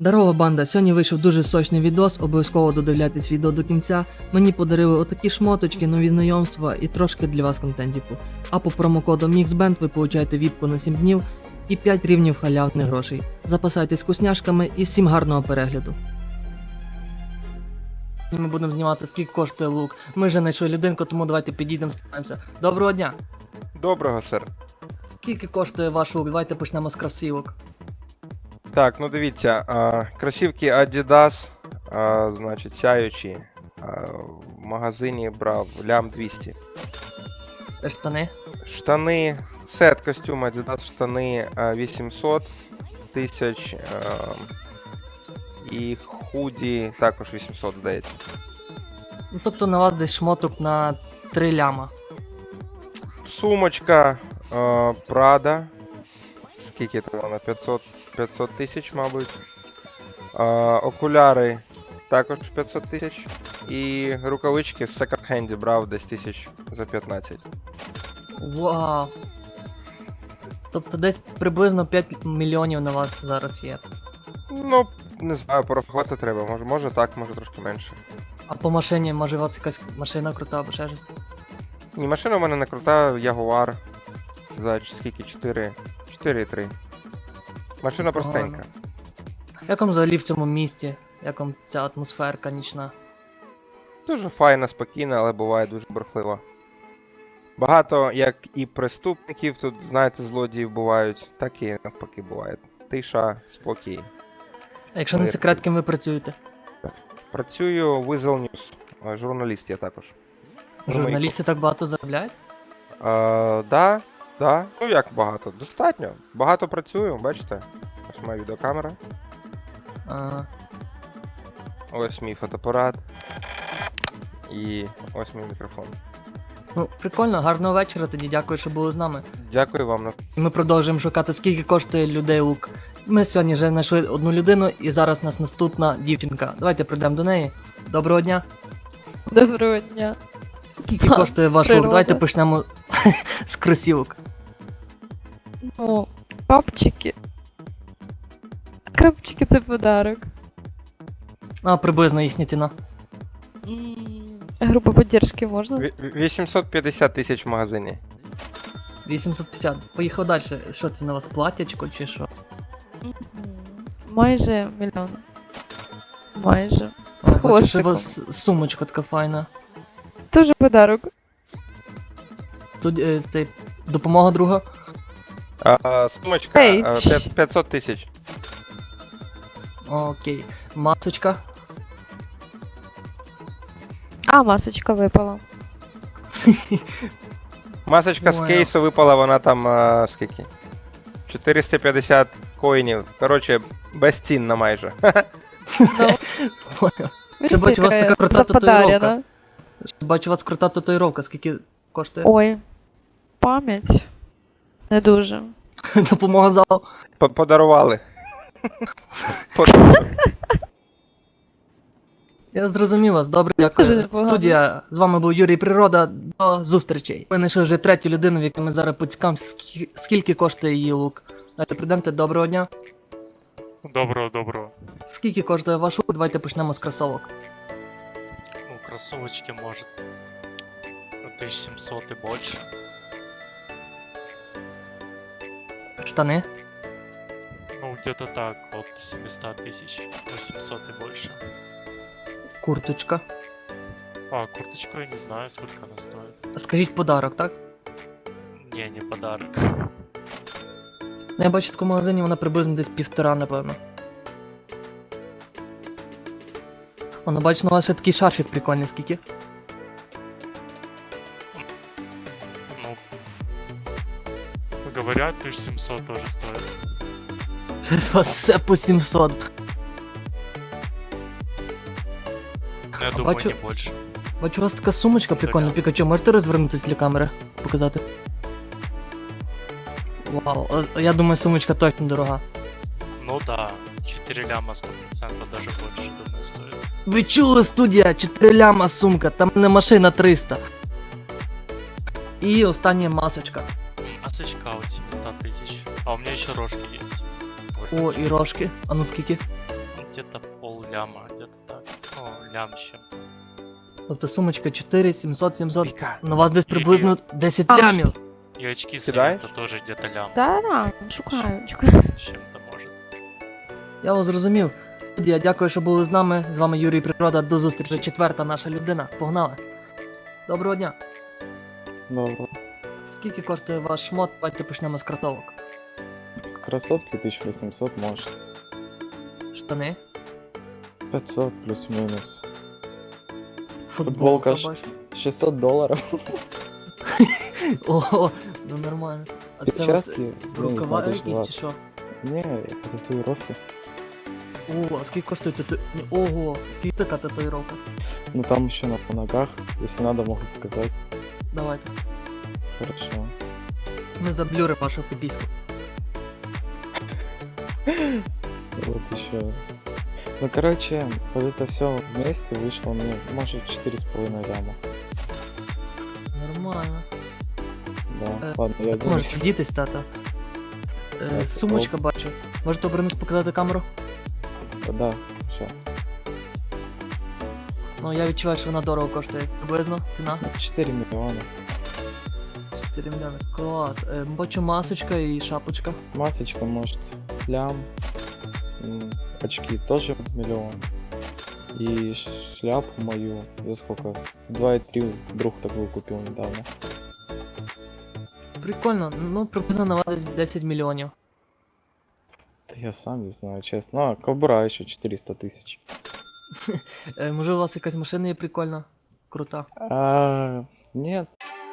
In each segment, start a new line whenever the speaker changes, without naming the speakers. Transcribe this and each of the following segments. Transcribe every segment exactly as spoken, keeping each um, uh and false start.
Здорова банда, сьогодні вийшов дуже сочний відос, обов'язково додивляйтесь відео до кінця. Мені подарили отакі шмоточки, нові знайомства і трошки для вас контентіку. А по промокоду MixBand ви получаєте віпку на сім днів і п'ять рівнів халявних грошей. Запасайтесь вкусняшками і всім гарного перегляду. Ми будемо знімати, скільки коштує лук. Ми вже знайшли людинку, тому давайте підійдемо, спитаємося. Доброго дня!
Доброго, сер.
Скільки коштує ваш лук? Давайте почнемо з кросівок.
Так, ну дивіться, а, кросівки Adidas, а, значить, сяючі. А, в магазині брав лям двісті.
Це штани.
Штани, сет костюм Adidas, штани а, вісімсот тисяч. А, і худі також вісімсот, здається.
Ну, тобто на вас десь шмоток на три ляма.
Сумочка а, Prada. Скільки там вона? п'ятсот тисяч, мабуть. А, окуляри також п'ятсот тисяч. І рукавички з секонд-хенді брав десь тисяч за п'ятнадцять.
Вау! Тобто десь приблизно п'ять мільйонів на вас зараз є.
Ну, не знаю, порахувати треба. Може, може так, може трошки менше.
А по машині, може у вас якась машина крута або ще щось?
Ні, машина в мене не крута, Jaguar. За скільки? чотири. чотири три. Машина простенька.
Як вам взагалі в цьому місті? Як вам ця атмосферка нічна?
Дуже файна, спокійна, але буває дуже бурхлива. Багато, як і преступників, тут, знаєте, злодіїв бувають, так і навпаки буває. Тиша, спокій.
А якщо не секрет, ким ви працюєте?
Працюю в Weasel News, журналіст я також.
Журналісти так багато заробляють?
А, да, да. Ну як багато? Достатньо. Багато працюю, бачите? Ось моя відеокамера.
Ага.
Ось мій фотоапарат. І ось мій мікрофон.
Ну, прикольно, гарного вечора тоді, дякую, що були з нами.
Дякую вам.
І ми продовжуємо шукати, скільки коштує людей лук. Ми сьогодні вже знайшли одну людину, і зараз у нас наступна дівчинка. Давайте прийдемо до неї. Доброго дня.
Доброго дня.
Скільки
Ха,
коштує ваш лук?
природа.
Давайте почнемо з кросівок.
Ну, папчики. Капчики це подарок.
А, приблизно їхня ціна.
М, Група поддержки можна?
Ві- вісімсот п'ятдесят тисяч в магазині.
вісімсот п'ятдесят. Поїхав далі. Що це на вас, платячко чи що?
Мгм. Майже мільйон. Майже.
А,
З
бачу, що у
хвостиком.
вас сумочка така файна.
Тоже подарок.
Тут е, цей, допомога друга.
А, сумочка
Ей,
а,
пш.
п'ят- п'ятсот тисяч.
Окей. Масочка.
А, масочка випала.
Масочка з
Понял.
кейсу випала, вона там а, скільки? чотириста п'ятдесят коїнів. Коротше, безцінна майже.
Ну,
Понял.
ви
Ще
ж
бачу, у вас така крута
заподарена.
татуїровка. Бачу, у вас крута татуїровка. Скільки коштує?
Ой, пам'ять. Не дуже.
Допомога залу.
П- Подарували. Подарували.
Я зрозумів вас, добре,
Дуже
дякую.
непогано.
Студія, з вами був Юрій Природа, до зустрічей. Ми знайшли вже третю людину, в якій ми зараз поцікавимо, скільки, скільки коштує її лук. Давайте прийдемте, доброго дня.
Доброго, доброго.
Скільки коштує ваш лук? Давайте почнемо з кросовок.
Ну, кроссовочки, может, тысяч семьсот и больше.
Штани.
Ну, где-то так, от семьсот тысяч, восемьсот и больше.
Курточка.
А, курточку я не знаю, сколько она стоит.
Скажіть подарок, так?
Не, не подарок.
Ну, я бачу, в такому магазині вона приблизно десь півтора, напевно. Воно, бачу, на вас ще такий шарфік прикольний, скільки?
Ну, говорят, тысяч семьсот тоже стоит.
У вас все по сімсот.
Но я
А
думаю,
бачу-
не больше.
Бачу, у вас така сумочка прикольна,
Така.
Пікачу, можете розвернутися для камери? Показати? Вау, а- я думаю, сумочка точно дорога.
Ну да, четыре ляма сто процентов, даже больше, думаю, стоит.
Ви чули, студія? чотири ляма сумка, там не машина триста. І остання масочка.
Масочка от семьсот тысяч. А у меня еще рожки есть.
О, і рожки. А ну скільки?
где-то пол ляма, где-то так. Ну, лям с чем-то.
Тобто сумочка чотири, сімсот, сімсот.
Віка,
На вас десь приблизно десять
А,
лямів.
И очки
Кидаешь?
света тоже где-то лям
Да, да, шукаю, шукаю.
с чем-то может.
Я вас зрозумів. Студія, дякую, що були з нами. З вами Юрій Природа. До зустрічі. Четверта наша людина. Погнали. Доброго дня.
Добро.
Скільки коштує ваш шмот? Давайте почнемо з кросовок.
Кроссовки тысяча восемьсот, может.
Штани.
пятьсот плюс-минус.
Футболка.
Футболка ж-
бачу.
шестьсот долларов.
Ого, ну нормально. А це у вас
Перчатки, я не
рукава
знаю,
якісь чи
двадцать.
що?
Не, это татуировки.
Ого, а скільки коштує тату... Ні, Ого, скільки така татуїровка?
Ну там еще на ногах. Если надо, могу показать.
Давайте.
Хорошо.
Ми заблюримо вашу піпіську.
Вот еще. Ну короче, вот это все вместе вышло мне, может, четыре с половиной ляма.
Нормально.
Да,
Э,
ладно, я
Може
денусь.
сидітись, тата. Е,
Так,
сумочка бачу. Можете обернути показати камеру?
Да, все.
Ну я відчуваю, що вона дорого коштує. Приблизно ціна.
четыре миллиона.
чотири мільйони. Клас. Е, бачу масочка і шапочка.
Масочка, может, лям. М, Очки тоже миллион. И шляпу мою за сколько? За два и три друг такую купил недавно.
Прикольно, ну приблизно на вас десь десять мільйонів.
Да я сам не знаю, честно. А, кобура еще четыреста тысяч.
Е, може у вас якась машина є прикольна? Крута.
А, нет.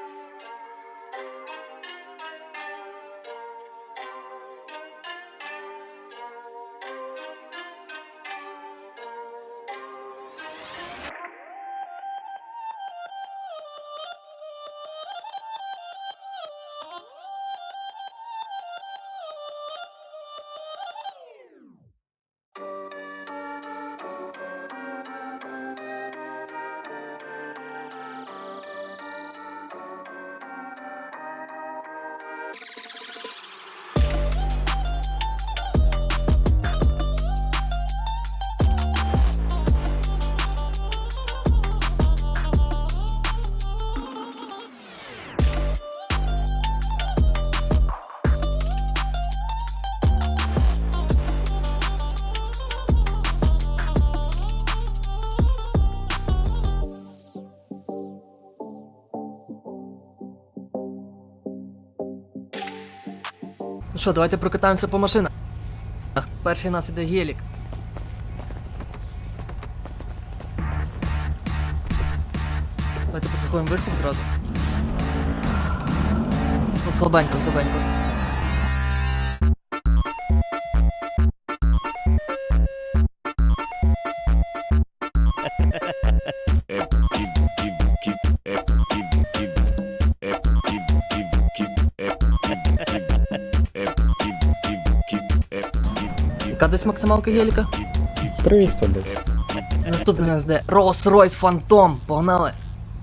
Ну що, давайте прокатаємося по машинах. Перший у нас іде гелік. Давайте послухаємо виступ зразу. Ну, слабенько, слабенько. Яка десь максималка геліка?
триста десь.
Наступний у нас де Rolls-Royce Phantom. Погнали.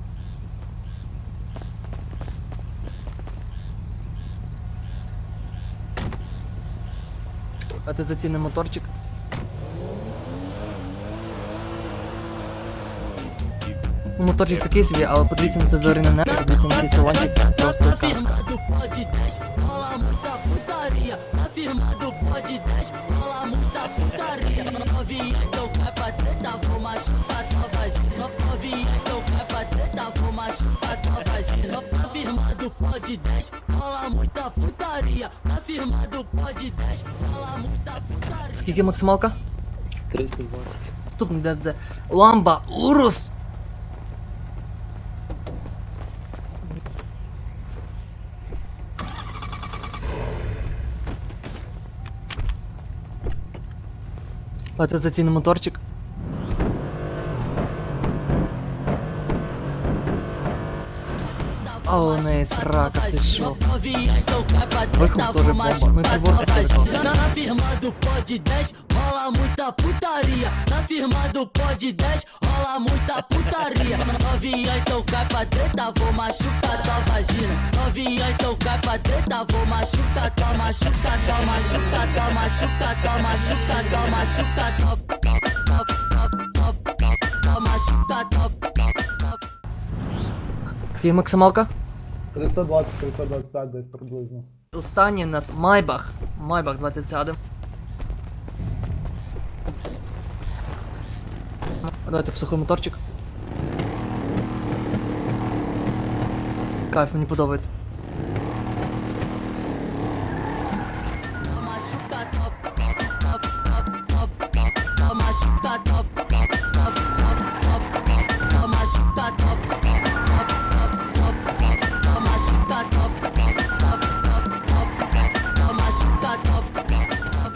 Давайте зацінимо моторчик. Ну, моторчик такий собі, але подивіться на це зоряне небо, подивіться на цей салончик, просто казка.
Afirmado pode dez, rola muita putaria. Afirmado pode dez, rola muita putaria. Novinha, então cai pra treta, vou machucar tua vagina. Novinha, então cai pra treta, vou machucar tua vagina. Afirmado pode dez, rola muita putaria. Afirmado pode dez, rola muita putaria.
Скільки максималка?
триста двадцять.
Наступний де де Ламба Урус. Давайте зацінимо моторчик. А у неї срака, ти шо?
Novinha, então cai pra
Вихлоп
treta,
теж
vou
бомба. Ну і
machucar
прибор
tua
теж
vagina.
бомба.
Na firmado pode dez, rola muita putaria. Na firmado pode dez, rola muita putaria. Novinha, então cai pra treta, vou machucar tua vagina. Novinha, então cai pra treta, vou machucar tua, machucar tua, machucar tua, machucar tua, machucar tua, machucar tua.
Скільки максималка?
тридцять двадцять, тридцять двадцять п'ять десь приблизно.
Останній у нас Майбах. Майбах, давайте сядемо. Ну, давайте сухий моторчик. Кайф, мені подобається.
Machuca top, top, top, top, top, top, machuca top, top, top, top, top, machuca top, top, top, top, top, machuca top, top, top, top, top, machuca top, top.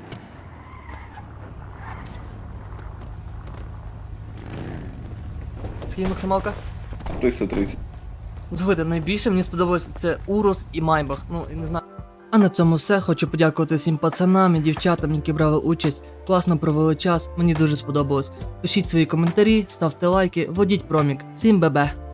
Скільки максималка?
триста тридцять.
Слухайте, найбільше мені сподобалося це Урус і Майбах. Ну, я не знаю. А на цьому все. Хочу подякувати всім пацанам і дівчатам, які брали участь. Класно провели час, мені дуже сподобалось. Пишіть свої коментарі, ставте лайки, вводіть промік. Всім бебе!